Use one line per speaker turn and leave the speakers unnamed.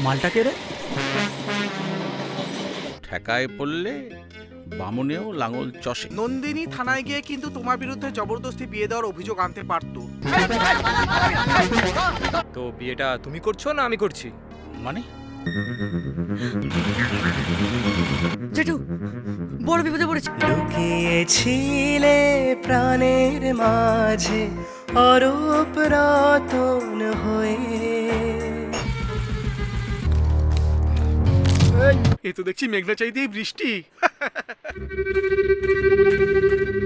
মালটা কে রে?
ঠেকায় পড়লে বামুনেও লাঙল চষে।
নন্দিনী থানায় গিয়ে কিন্তু তোমার বিরুদ্ধে জবরদস্তি বিয়ে দেওয়ার অভিযোগ আনতে পারতো।
তো বিয়েটা তুমি করছো না আমি করছি?
মানে
জেঠু বড় বিপদে পড়েছি।
লুকিয়েছিলে প্রাণের মাঝে অরূপ রতন হয়ে।
এ তো দেখছি মেঘনা চাইতেই বৃষ্টি।